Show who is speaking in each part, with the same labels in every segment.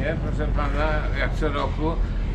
Speaker 1: mnie, proszę pana, jak co roku,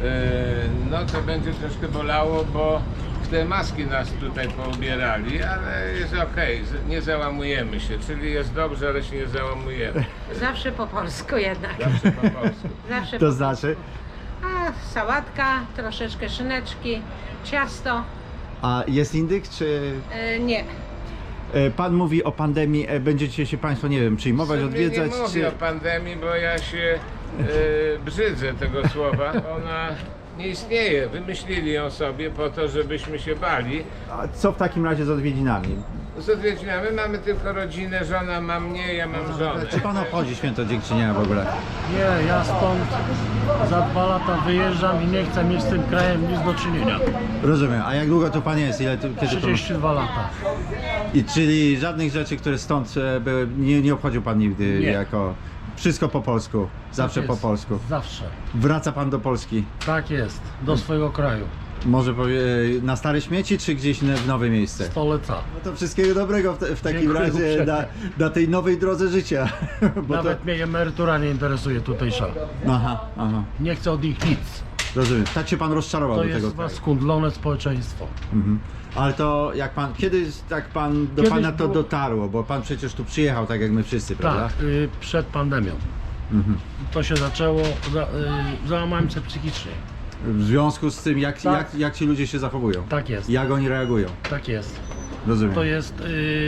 Speaker 1: no to będzie troszkę bolało, bo w te maski nas tutaj poubierali, ale jest okej, nie załamujemy się, czyli jest dobrze, ale się nie załamujemy.
Speaker 2: Zawsze po polsku jednak.
Speaker 1: Zawsze po polsku.
Speaker 2: Zawsze
Speaker 3: To
Speaker 2: po
Speaker 3: znaczy?
Speaker 2: polsku. A sałatka, troszeczkę szyneczki, ciasto.
Speaker 3: A jest indyk, czy...
Speaker 2: Nie.
Speaker 3: Pan mówi o pandemii, będziecie się Państwo, nie wiem, przyjmować,
Speaker 1: Sobie
Speaker 3: odwiedzać,
Speaker 1: nie mówię
Speaker 3: czy...
Speaker 1: o pandemii, bo ja się brzydzę tego słowa. Ona nie istnieje. Wymyślili ją sobie po to, żebyśmy się bali.
Speaker 3: A co w takim razie z odwiedzinami?
Speaker 1: Z odwiedzinami mamy tylko rodzinę, żona ma mnie, ja mam żonę.
Speaker 3: Czy Pan obchodzi święto Dziękczynienia w ogóle?
Speaker 4: Nie, ja stąd za 2 lata wyjeżdżam i nie chcę mieć z tym krajem nic do czynienia.
Speaker 3: Rozumiem. A jak długo tu Pan jest? Kiedy to...
Speaker 4: 32 lata.
Speaker 3: I czyli żadnych rzeczy, które stąd były, nie obchodził Pan nigdy
Speaker 4: Nie.
Speaker 3: jako... Wszystko po polsku, zawsze
Speaker 4: Tak
Speaker 3: po
Speaker 4: jest.
Speaker 3: polsku.
Speaker 4: Zawsze.
Speaker 3: Wraca Pan do Polski.
Speaker 4: Tak jest. Do swojego kraju.
Speaker 3: Może na Stare Śmieci, czy gdzieś w nowe miejsce?
Speaker 4: Stolica.
Speaker 3: No to wszystkiego dobrego w takim
Speaker 4: Dziękuję
Speaker 3: razie
Speaker 4: uprzejmie.
Speaker 3: na tej nowej drodze życia. Bo
Speaker 4: Nawet mnie emerytura nie interesuje tutejsza.
Speaker 3: Aha,
Speaker 4: Nie chcę od nich nic.
Speaker 3: rozumiem. Tak się Pan rozczarował
Speaker 4: To
Speaker 3: do tego
Speaker 4: jest
Speaker 3: kraju.
Speaker 4: skundlone społeczeństwo.
Speaker 3: Mhm. Ale to jak Pan, kiedy tak Pan, do
Speaker 4: Kiedyś
Speaker 3: Pana to
Speaker 4: było-
Speaker 3: dotarło? Bo Pan przecież tu przyjechał tak jak my wszyscy, prawda?
Speaker 4: Tak, przed pandemią. To się zaczęło, załamałem się psychicznie.
Speaker 3: W związku z tym,
Speaker 4: Tak.
Speaker 3: jak ci ludzie się zachowują?
Speaker 4: Tak jest.
Speaker 3: Jak oni reagują?
Speaker 4: Tak jest.
Speaker 3: Rozumiem.
Speaker 4: To jest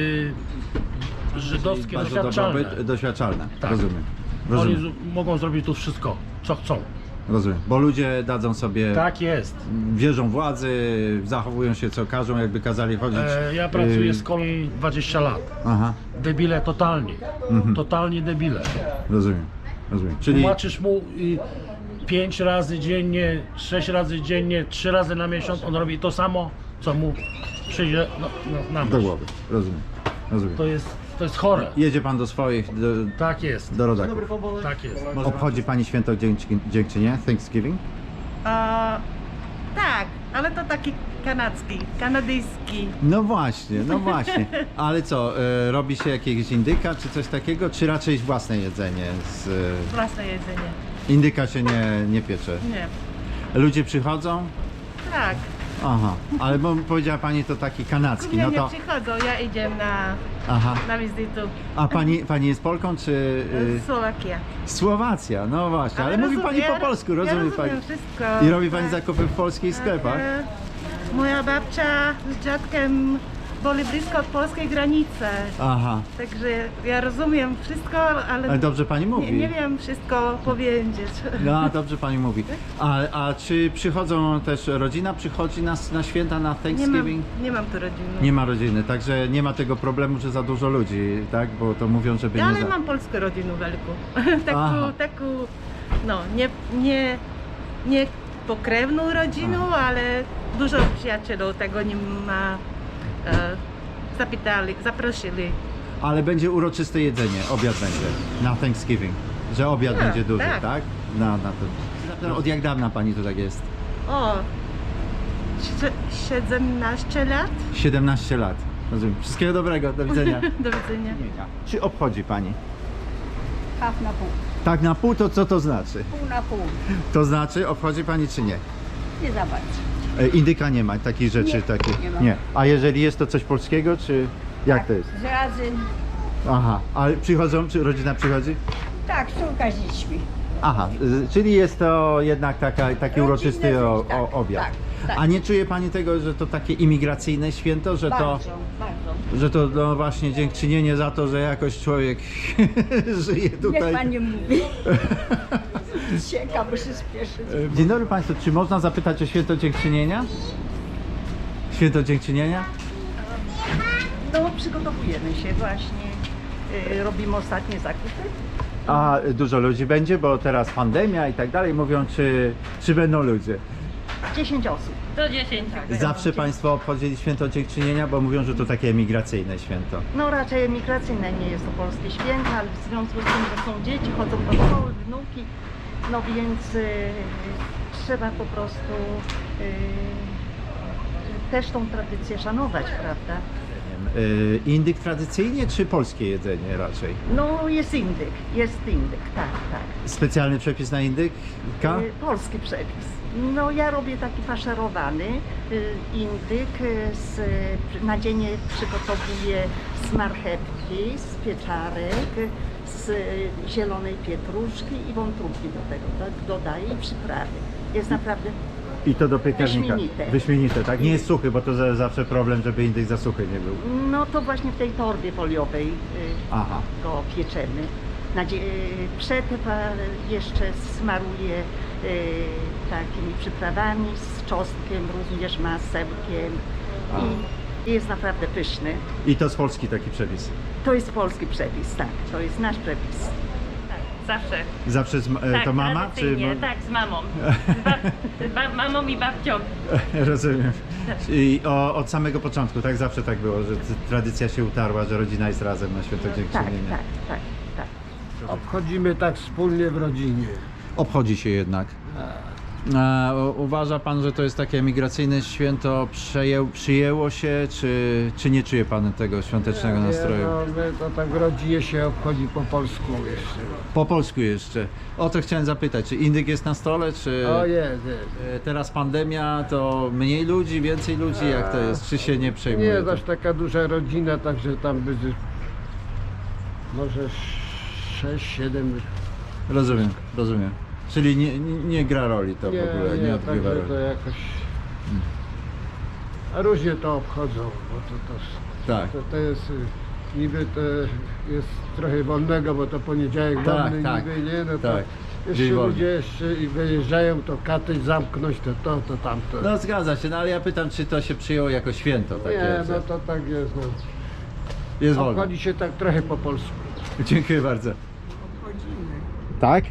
Speaker 4: żydowskie
Speaker 3: Bardzo
Speaker 4: doświadczalne.
Speaker 3: doświadczalne.
Speaker 4: Tak.
Speaker 3: Rozumiem.
Speaker 4: Oni
Speaker 3: Rozumiem.
Speaker 4: mogą zrobić tu wszystko, co chcą.
Speaker 3: Rozumiem. Bo ludzie dadzą sobie,
Speaker 4: Tak jest.
Speaker 3: wierzą władzy, zachowują się co każą, jakby kazali chodzić.
Speaker 4: Ja pracuję z kolei 20 lat.
Speaker 3: Aha,
Speaker 4: Debile totalnie. Totalnie debile.
Speaker 3: rozumiem. Rozumiem. Czyli
Speaker 4: Tłumaczysz mu 5 razy dziennie, 6 razy dziennie, 3 razy na miesiąc, on robi to samo, co mu przyjdzie na
Speaker 3: do
Speaker 4: myśl.
Speaker 3: głowy. Rozumiem. Rozumiem.
Speaker 4: To jest chore.
Speaker 3: Jedzie Pan do swoich,
Speaker 4: Tak jest.
Speaker 3: do rodaków.
Speaker 4: Tak jest.
Speaker 3: Obchodzi Pani święto Dziękczynienia, Thanksgiving?
Speaker 5: Tak, ale to taki kanadyjski.
Speaker 3: No właśnie, no właśnie. Ale co, robi się jakiegoś indyka czy coś takiego, czy raczej własne jedzenie?
Speaker 5: Własne jedzenie.
Speaker 3: Indyka się nie piecze.
Speaker 5: Nie.
Speaker 3: Ludzie przychodzą?
Speaker 5: Tak.
Speaker 3: Aha, ale bo powiedziała Pani to taki kanadzki,
Speaker 5: Nie,
Speaker 3: no
Speaker 5: nie
Speaker 3: to...
Speaker 5: przychodzą, ja idę
Speaker 3: Aha.
Speaker 5: na wizytę.
Speaker 3: A pani jest Polką, czy...
Speaker 5: Słowakia.
Speaker 3: Słowacja, no właśnie, ale mówi Pani po polsku, rozumie
Speaker 5: ja
Speaker 3: Pani?
Speaker 5: rozumiem wszystko.
Speaker 3: I robi Pani
Speaker 5: tak.
Speaker 3: zakupy w polskich sklepach?
Speaker 5: Moja babcia z dziadkiem byli blisko od polskiej granicy.
Speaker 3: Aha,
Speaker 5: Także ja rozumiem wszystko,
Speaker 3: ale dobrze Pani mówi.
Speaker 5: nie wiem wszystko powiedzieć.
Speaker 3: No, dobrze Pani mówi. A czy przychodzą też, rodzina przychodzi na święta, na Thanksgiving?
Speaker 5: Nie mam tu rodziny.
Speaker 3: Nie ma rodziny, także nie ma tego problemu, że za dużo ludzi, tak? Bo to mówią, żeby
Speaker 5: Ja,
Speaker 3: nie
Speaker 5: ale
Speaker 3: za...
Speaker 5: mam polską rodzinę wielką.
Speaker 3: Aha.
Speaker 5: taką, no, nie pokrewną rodzinę, ale dużo przyjaciół tego nie ma. Zaprosili.
Speaker 3: Ale będzie uroczyste jedzenie, obiad będzie na Thanksgiving, że obiad
Speaker 5: Tak,
Speaker 3: będzie duży, tak?
Speaker 5: tak.
Speaker 3: Na to. Od jak dawna Pani tu tak jest?
Speaker 5: O, 17 lat.
Speaker 3: 17 lat. Rozumiem. Wszystkiego dobrego, do widzenia.
Speaker 5: Do widzenia.
Speaker 3: Czy obchodzi Pani?
Speaker 6: Half na pół.
Speaker 3: Tak na pół, to co to znaczy?
Speaker 6: Pół na pół.
Speaker 3: To znaczy, obchodzi Pani czy nie?
Speaker 6: Nie za bardzo.
Speaker 3: Indyka nie ma takich rzeczy,
Speaker 6: Nie,
Speaker 3: takich.
Speaker 6: nie ma.
Speaker 3: Nie. A jeżeli jest to coś polskiego, czy jak to jest?
Speaker 6: Z razy,
Speaker 3: Aha, ale przychodzą, czy rodzina przychodzi?
Speaker 6: tak, córka z dziećmi.
Speaker 3: Aha, czyli jest to jednak taki
Speaker 6: Rodzinne
Speaker 3: uroczysty
Speaker 6: rzeczy, tak,
Speaker 3: obiad.
Speaker 6: tak, tak.
Speaker 3: A nie czuje Pani tego, że to takie imigracyjne święto, że
Speaker 6: Bardzo, bardzo.
Speaker 3: że to no właśnie dziękczynienie za to, że jakoś człowiek żyje
Speaker 6: Niech
Speaker 3: tutaj.
Speaker 6: pan nie mówi. Cieka, bo się spieszy.
Speaker 3: Dzień dobry Państwu, czy można zapytać o święto dziękczynienia? Święto dziękczynienia?
Speaker 5: No, przygotowujemy się właśnie. Robimy ostatnie zakupy.
Speaker 3: A dużo ludzi będzie, bo teraz pandemia i tak dalej. Mówią, czy będą ludzie.
Speaker 5: 10 osób.
Speaker 2: Do 10.
Speaker 3: Zawsze Państwo obchodzili święto dziękczynienia, bo mówią, że to takie emigracyjne święto.
Speaker 5: No raczej emigracyjne, nie jest to polskie święto, ale w związku z tym, że są dzieci, chodzą do szkoły, wnuki, no więc trzeba po prostu też tą tradycję szanować, prawda?
Speaker 3: Indyk tradycyjnie czy polskie jedzenie raczej?
Speaker 5: No jest indyk, tak, tak.
Speaker 3: Specjalny przepis na indyka?
Speaker 5: Polski przepis. No ja robię taki faszerowany indyk, na dzień przygotowuję z marchewki, z pieczarek, z zielonej pietruszki i wątróbki do tego, tak? Dodaję i przyprawy. Jest naprawdę
Speaker 3: I to do piekarnika.
Speaker 5: Wyśmienite.
Speaker 3: Wyśmienite, tak? Nie jest suchy, bo to zawsze problem, żeby indyk za suchy nie był.
Speaker 5: No to właśnie w tej torbie foliowej
Speaker 3: Aha.
Speaker 5: go pieczemy. Przetep jeszcze smaruję takimi przyprawami z czosnkiem, również masełkiem i jest naprawdę pyszny.
Speaker 3: I to z Polski taki przepis.
Speaker 5: To jest polski przepis, tak, to jest nasz przepis.
Speaker 7: Zawsze.
Speaker 3: Zawsze
Speaker 7: Tak,
Speaker 3: to mama?
Speaker 7: tradycyjnie, tak, z mamą. Mamą i babcią.
Speaker 3: Rozumiem. I od samego początku, tak? Zawsze tak było, że tradycja się utarła, że rodzina jest razem na Święto
Speaker 5: Tak,
Speaker 3: Dziękczynienia.
Speaker 5: tak.
Speaker 8: Obchodzimy tak wspólnie w rodzinie.
Speaker 3: Obchodzi się jednak. Uważa pan, że to jest takie emigracyjne święto, przyjęło się, czy nie czuje pan tego świątecznego nastroju?
Speaker 8: My to tak w rodzinie się obchodzi po polsku jeszcze.
Speaker 3: Po polsku jeszcze. O to chciałem zapytać, czy indyk jest na stole, czy
Speaker 8: O jest.
Speaker 3: teraz pandemia, to mniej ludzi, więcej ludzi, jak to jest? Czy się nie przejmuje?
Speaker 8: Nie
Speaker 3: to?
Speaker 8: jest aż taka duża rodzina, także tam będzie może 6-7.
Speaker 3: Rozumiem. Czyli nie gra roli to w ogóle, nie odgrywa
Speaker 8: także
Speaker 3: roli.
Speaker 8: to jakoś... A różnie to obchodzą, bo
Speaker 3: Tak.
Speaker 8: to jest... Niby to jest trochę wolnego, bo to poniedziałek
Speaker 3: Tak,
Speaker 8: wolny
Speaker 3: tak,
Speaker 8: niby, nie? No
Speaker 3: tak.
Speaker 8: to
Speaker 3: Dzień
Speaker 8: jeszcze
Speaker 3: wolny.
Speaker 8: ludzie jeszcze i wyjeżdżają, to katy zamknąć, to tamto.
Speaker 3: No zgadza się, no ale ja pytam, czy to się przyjęło jako święto takie,
Speaker 8: Nie,
Speaker 3: że
Speaker 8: no to tak jest. No.
Speaker 3: jest wolno.
Speaker 8: Obchodzi się tak trochę po polsku.
Speaker 3: Dziękuję bardzo.
Speaker 6: Obchodzimy.
Speaker 3: Tak?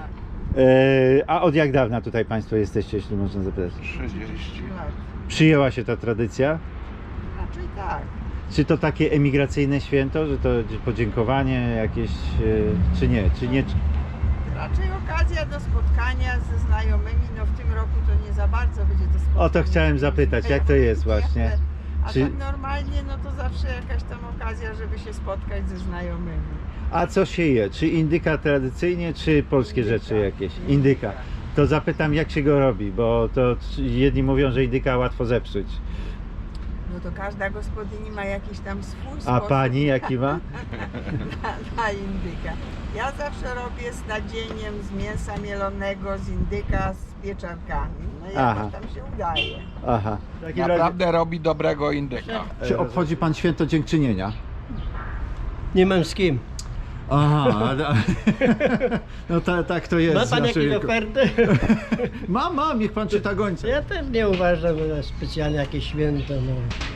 Speaker 3: A od jak dawna tutaj Państwo jesteście, jeśli można zapytać?
Speaker 8: 30.
Speaker 6: Tak.
Speaker 3: Przyjęła się ta tradycja?
Speaker 6: Raczej tak.
Speaker 3: Czy to takie emigracyjne święto, że to podziękowanie jakieś, czy nie?
Speaker 6: Raczej okazja do spotkania ze znajomymi. No w tym roku to nie za bardzo będzie to spotkanie.
Speaker 3: O to chciałem zapytać, jak to jest właśnie?
Speaker 6: A
Speaker 3: Czy-
Speaker 6: tak normalnie, no to zawsze jakaś tam okazja, żeby się spotkać ze znajomymi.
Speaker 3: A co się je? Czy indyka tradycyjnie, czy polskie rzeczy jakieś? Indyka. To zapytam, jak się go robi, bo to jedni mówią, że indyka łatwo zepsuć.
Speaker 6: No to każda gospodyni ma jakiś tam swój
Speaker 3: A
Speaker 6: sposób
Speaker 3: pani jaki ma?
Speaker 6: na indyka. Ja zawsze robię z nadzieniem z mięsa mielonego, z indyka, z pieczarkami. No
Speaker 3: Aha.
Speaker 6: jakoś tam się udaje.
Speaker 3: Aha.
Speaker 9: Naprawdę robi dobrego indyka.
Speaker 3: Czy obchodzi pan Święto Dziękczynienia?
Speaker 10: Nie mam z kim.
Speaker 3: Aha, no tak to jest.
Speaker 10: Ma pan
Speaker 3: zawsze
Speaker 10: jakieś
Speaker 3: jako-
Speaker 10: oferty?
Speaker 3: Mam, niech pan czyta gońca.
Speaker 10: Ja też nie uważam, że specjalnie jakieś święto. No.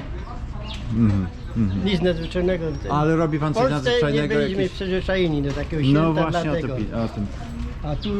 Speaker 10: Nic nadzwyczajnego.
Speaker 3: Ale robi pan
Speaker 10: W
Speaker 3: coś
Speaker 10: Polsce nie
Speaker 3: nadzwyczajnego?
Speaker 10: byliśmy
Speaker 3: Jakieś...
Speaker 10: przyzwyczajeni do takiego święta,
Speaker 3: No właśnie
Speaker 10: dlatego.
Speaker 3: o tym.
Speaker 10: A tu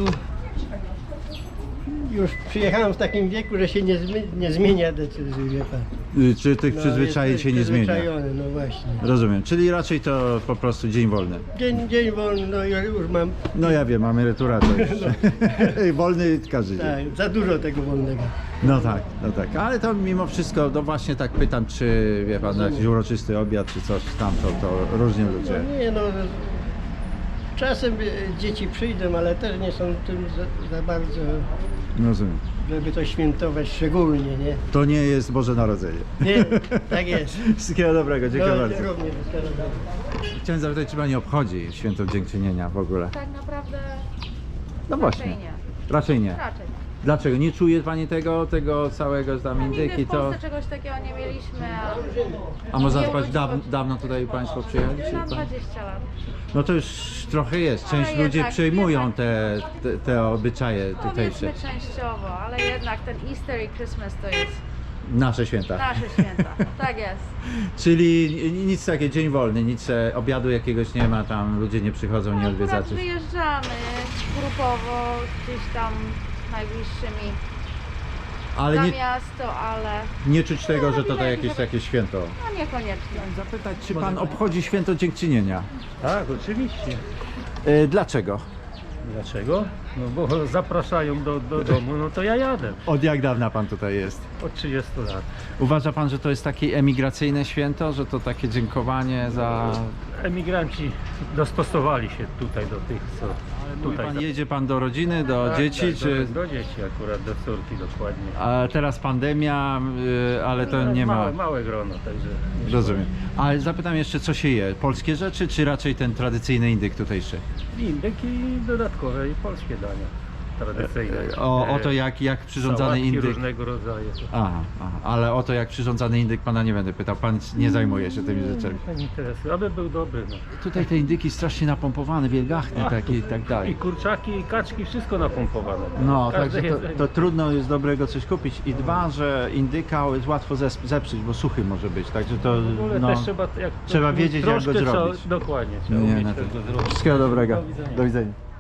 Speaker 10: już przyjechałem w takim wieku, że się nie zmienia decyzji, wie pan.
Speaker 3: Czy tych przyzwyczajeń
Speaker 10: jest
Speaker 3: się nie zmienia?
Speaker 10: przyzwyczajony, no właśnie.
Speaker 3: Rozumiem, czyli raczej to po prostu dzień wolny.
Speaker 10: Dzień wolny, no ja już mam,
Speaker 3: No ja wiem, mamy emeryturę wolny każdy dzień.
Speaker 10: tak, za dużo tego wolnego.
Speaker 3: No tak, ale to mimo wszystko, no właśnie tak pytam, czy wie pan, jakiś uroczysty obiad, czy coś tam, to różnie ludzie.
Speaker 10: No nie no, czasem dzieci przyjdą, ale też nie są tym za bardzo,
Speaker 3: Rozumiem.
Speaker 10: żeby to świętować szczególnie, nie?
Speaker 3: To nie jest Boże Narodzenie.
Speaker 10: Nie, tak jest.
Speaker 3: Wszystkiego dobrego, dziękuję
Speaker 10: No,
Speaker 3: bardzo.
Speaker 10: również,
Speaker 3: Chciałem zapytać, czy pani obchodzi Święto Dziękczynienia w ogóle?
Speaker 11: Tak naprawdę
Speaker 3: No właśnie.
Speaker 11: raczej nie.
Speaker 3: Raczej nie.
Speaker 11: Raczej.
Speaker 3: Dlaczego? Nie czuje pani tego całego tam
Speaker 11: Nigdy
Speaker 3: indyki,
Speaker 11: w
Speaker 3: to...
Speaker 11: Polsce czegoś takiego nie mieliśmy,
Speaker 3: A można
Speaker 11: nie
Speaker 3: spać
Speaker 11: urodziło-
Speaker 3: dawno tutaj państwo przyjechali? czy
Speaker 11: na
Speaker 3: pan-
Speaker 11: 20 lat.
Speaker 3: No to już trochę jest. Część
Speaker 11: Ale
Speaker 3: ludzi
Speaker 11: jednak-
Speaker 3: przejmują te obyczaje tutejsze.
Speaker 11: Powiedzmy częściowo, ale jednak ten Easter i Christmas to jest
Speaker 3: Nasze święta.
Speaker 11: nasze święta. Tak jest.
Speaker 3: Czyli nic takie, dzień wolny, nic obiadu jakiegoś nie ma, tam ludzie nie przychodzą, nie
Speaker 11: Akurat
Speaker 3: odwiedzacie.
Speaker 11: wyjeżdżamy grupowo gdzieś tam z najbliższymi
Speaker 3: Ale
Speaker 11: za
Speaker 3: nie,
Speaker 11: miasto, ale
Speaker 3: nie czuć tego, że to
Speaker 11: robimy
Speaker 3: jakieś
Speaker 11: jakieś-
Speaker 3: takie święto.
Speaker 11: no niekoniecznie.
Speaker 3: Zapytać, czy pan obchodzi Święto Dziękczynienia?
Speaker 4: Tak, oczywiście.
Speaker 3: Dlaczego?
Speaker 4: Dlaczego? No bo zapraszają do domu, no to ja jadę.
Speaker 3: Od jak dawna pan tutaj jest?
Speaker 4: Od 30 lat.
Speaker 3: Uważa pan, że to jest takie emigracyjne święto, że to takie dziękowanie za...
Speaker 4: Emigranci dostosowali się tutaj do tych, co tutaj.
Speaker 3: Pan, jedzie pan do rodziny, do
Speaker 4: Tak,
Speaker 3: dzieci,
Speaker 4: tak,
Speaker 3: czy...
Speaker 4: do dzieci akurat, do córki dokładnie.
Speaker 3: A teraz pandemia, ale to
Speaker 4: No,
Speaker 3: nie ma...
Speaker 4: Małe grono, także... nie
Speaker 3: Rozumiem. Ale zapytam jeszcze, co się je? Polskie rzeczy, czy raczej ten tradycyjny indyk tutejszy?
Speaker 4: Indyk i dodatkowe i polskie dania tradycyjne.
Speaker 3: O to jak przyrządzany
Speaker 4: Sałatki
Speaker 3: indyk...
Speaker 4: różnego rodzaju.
Speaker 3: Aha, ale o to jak przyrządzany indyk pana nie będę pytał, pan nie zajmuje się tymi rzeczami.
Speaker 4: Nie interesuje, aby był dobry. No.
Speaker 3: Tutaj te indyki strasznie napompowane, wielgachne takie i tak
Speaker 4: I
Speaker 3: dalej.
Speaker 4: kurczaki, i kaczki, wszystko napompowane.
Speaker 3: No,
Speaker 4: Każde
Speaker 3: także
Speaker 4: jedzenie.
Speaker 3: to trudno jest dobrego coś kupić. I dwa, że indyka jest łatwo zepsuć, bo suchy może być, także to
Speaker 4: W ogóle
Speaker 3: no,
Speaker 4: też trzeba, jak
Speaker 3: trzeba wiedzieć, jak go
Speaker 4: troszkę
Speaker 3: zrobić.
Speaker 4: Dokładnie, trzeba
Speaker 3: Nie,
Speaker 4: umieć
Speaker 3: no
Speaker 4: tego
Speaker 3: to...
Speaker 4: zrobić.
Speaker 3: Wszystkiego dobrego.
Speaker 4: Do widzenia.
Speaker 3: Do widzenia.